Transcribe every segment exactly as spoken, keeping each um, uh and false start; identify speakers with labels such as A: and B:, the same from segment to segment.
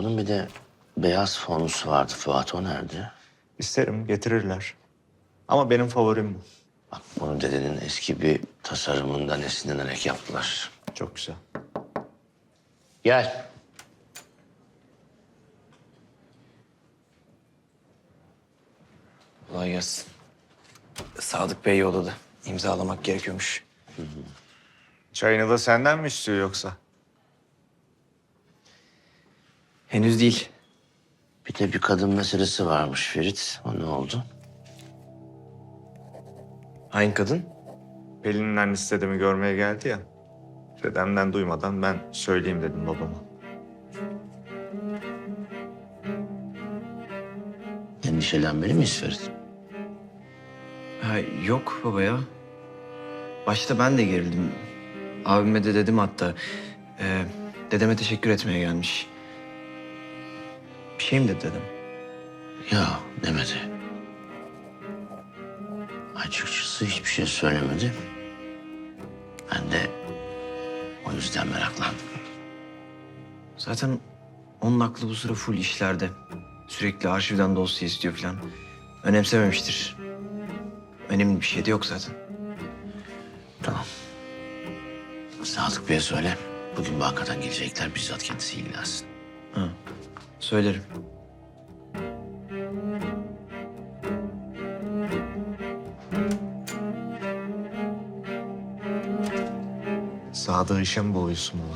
A: Bunun bir de beyaz fonusu vardı Fuat, o nerede?
B: İsterim, getirirler. Ama benim favorim bu.
A: Bak, bunu dedenin eski bir tasarımından esinlenerek yaptılar.
B: Çok güzel.
A: Gel.
C: Kolay gelsin. Sadık Bey yolladı. İmzalamak gerekiyormuş.
B: Çayını da senden mi istiyor yoksa?
C: Henüz değil.
A: Bir de bir kadın meselesi varmış Ferit. O ne oldu?
C: Hangi kadın?
B: Pelin'in annesi dedemi görmeye geldi ya. Dedemden duymadan ben söyleyeyim dedim babama.
A: Endişelenmeli miyiz Ferit?
C: Ha, yok baba ya. Başta ben de gerildim. Abime de dedim hatta. Ee, dedeme teşekkür etmeye gelmiş. Bir şey mi dedi dedem?
A: Ya demedi. Açıkçası hiçbir şey söylemedi. Ben de o yüzden meraklandım.
C: Zaten onun aklı bu sıra full işlerde. Sürekli arşivden dosya istiyor falan. Önemsememiştir. Önemli bir şey de yok zaten.
A: Tamam. Sadık Bey'e söyle. Bugün bankadan gelecekler. Bizzat kendisi ilgilensin.
C: Ha, söylerim.
B: Sadık işe mi boğuyorsun baba?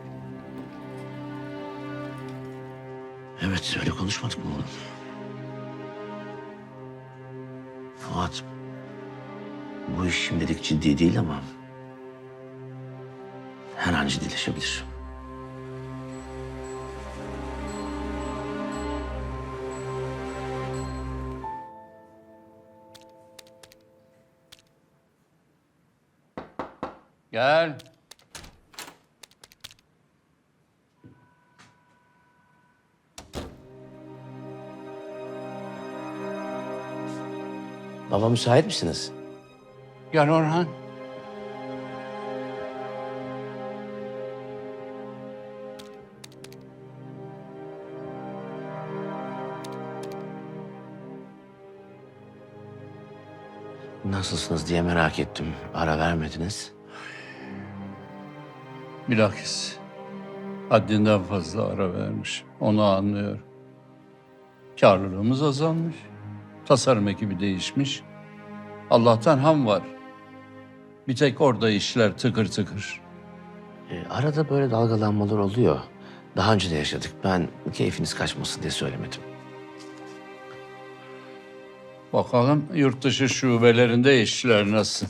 A: Evet, öyle konuşmadık mı oğlum? Fuat, bu iş şimdilik ciddi değil ama her an ciddileşebilir.
D: Gel.
A: Baba, müsait misiniz?
D: Gel Orhan.
A: Nasılsınız diye merak ettim. Ara vermediniz.
D: Bilakis haddinden fazla ara vermiş. Onu anlıyorum. Karlılığımız azalmış. Tasarım ekibi değişmiş. Allah'tan ham var. Bir tek orada işler tıkır tıkır.
A: Ee, arada böyle dalgalanmalar oluyor. Daha önce de yaşadık. Ben keyfiniz kaçmasın diye söylemedim.
D: Bakalım yurt dışı şubelerinde işler nasıl?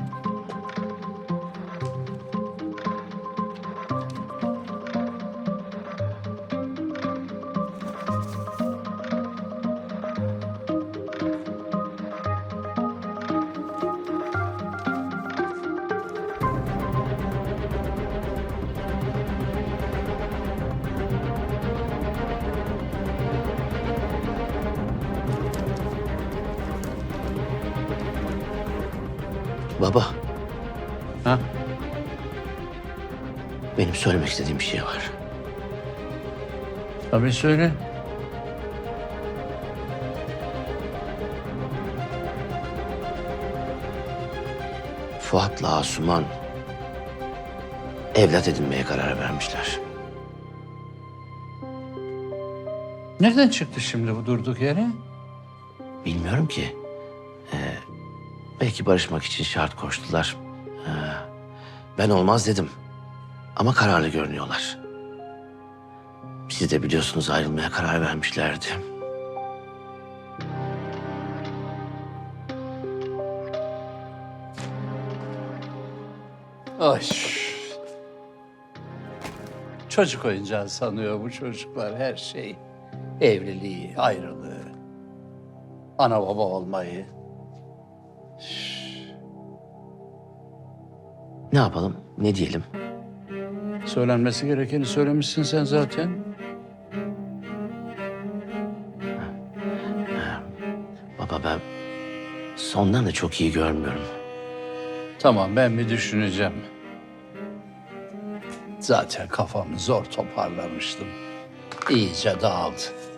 A: Baba,
D: Ha?
A: benim söylemek istediğim bir şey var.
D: Tabii söyle.
A: Fuat'la Asuman evlat edinmeye karar vermişler.
D: Nereden çıktı şimdi bu durduk yere?
A: Bilmiyorum ki. Ee, belki barışmak için şart koştular. Ee, ben olmaz dedim. Ama kararlı görünüyorlar. Siz de biliyorsunuz, ayrılmaya karar vermişlerdi.
D: Ay. Çocuk oyuncağı sanıyor bu çocuklar her şey. Evliliği, ayrılığı, ana baba olmayı.
A: Ne yapalım, ne diyelim?
D: Söylenmesi gerekeni söylemişsin sen zaten.
A: Baba, ben sondan da çok iyi görmüyorum.
D: Tamam, ben bir düşüneceğim. Zaten kafamı zor toparlamıştım. iyice dağıldı.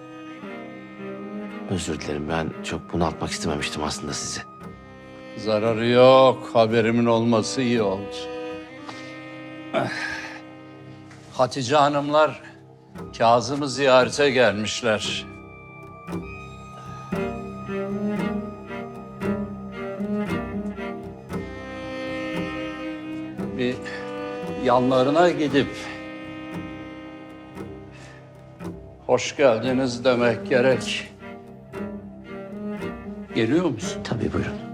A: Özür dilerim, ben çok bunaltmak istememiştim aslında sizi.
D: Zararı yok. Haberimin olması iyi oldu. Eh. Hatice Hanımlar Kazım'ı ziyarete gelmişler. Bir yanlarına gidip hoş geldiniz demek gerek. Geliyor musun?
A: Tabii, buyurun.